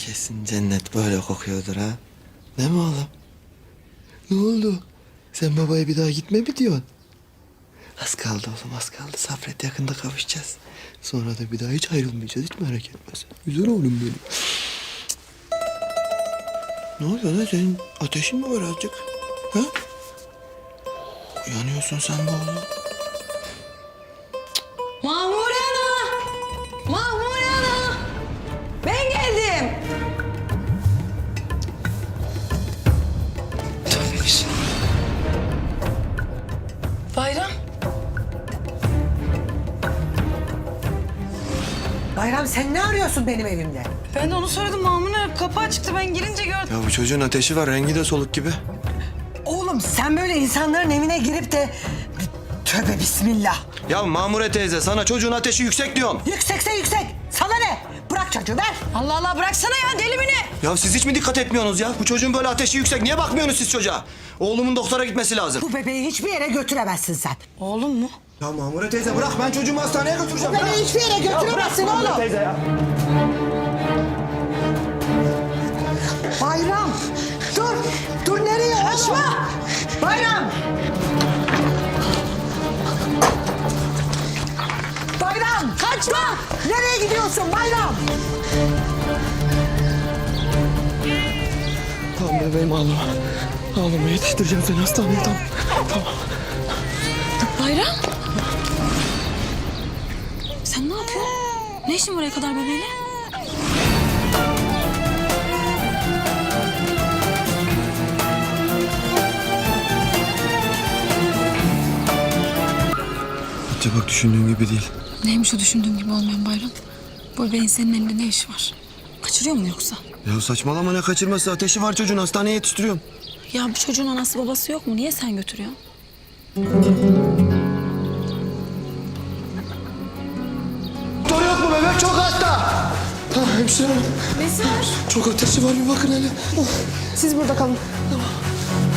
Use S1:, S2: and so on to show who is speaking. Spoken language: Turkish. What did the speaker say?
S1: Kesin cennet böyle kokuyordur ha. Değil mi oğlum? Ne oldu? Sen babaya bir daha gitme mi diyorsun? Az kaldı oğlum, az kaldı. Sabret, yakında kavuşacağız. Sonra da bir daha hiç ayrılmayacağız. Hiç merak etme sen. Güzel oğlum benim. Ne oluyor lan? Senin ateşin mi var azıcık? Ha? Uyanıyorsun sen be oğlum.
S2: Mahmure Ana! Mahmure Ana! Ben geldim. Bayram.
S3: Bayram sen ne arıyorsun benim evimde?
S2: Ben de onu söyledim Mahmure. Kapı açıktı, ben girince gördüm.
S1: Ya bu çocuğun ateşi var. Rengi de soluk gibi.
S3: Oğlum sen böyle insanların evine girip de... Tövbe bismillah.
S1: Ya Mamure teyze, sana çocuğun ateşi yüksek diyorum.
S3: Yüksekse yüksek. Sana ne? Bırak çocuğu ver.
S2: Allah Allah, bıraksana ya, deli mi ne?
S1: Ya siz hiç mi dikkat etmiyorsunuz ya? Bu çocuğun böyle ateşi yüksek. Niye bakmıyorsunuz siz çocuğa? Oğlumun doktora gitmesi lazım.
S3: Bu bebeği hiçbir yere götüremezsin sen.
S2: Oğlum mu?
S1: Ya Mamure teyze bırak, ben çocuğumu hastaneye götüreceğim.
S3: Bebeği hiçbir yere götüremezsin oğlum.
S1: Teyze ya.
S3: Bayram. Dur. Dur nereye oğlum? Kaçma. Bayram. Bayram. Kaçma. Nereye gidiyorsun Bayram?
S1: Tamam bebeğim, ağlama. Ağlama, yetiştireceğim seni hastaneye, tamam. Tamam.
S4: Bayram. Sen ne yapıyorsun? Ne işin buraya kadar bebeğiyle?
S1: Hatice bak, düşündüğün gibi değil.
S4: Neymiş o düşündüğün gibi olmayan Bayram? Bu bebeğin senin elinde ne işi var? Kaçırıyor mu yoksa?
S1: Ya saçmalama, ne kaçırması? Ateşi var çocuğun, hastaneye yetiştiriyorum.
S4: Ya bu çocuğun anası babası yok mu? Niye sen götürüyorsun?
S1: Doktor yok mu? Bebek çok hasta. Tamam hemşire hanım.
S4: Nesi var?
S1: Çok ateşi var, bir bakın hele.
S4: Siz burada kalın.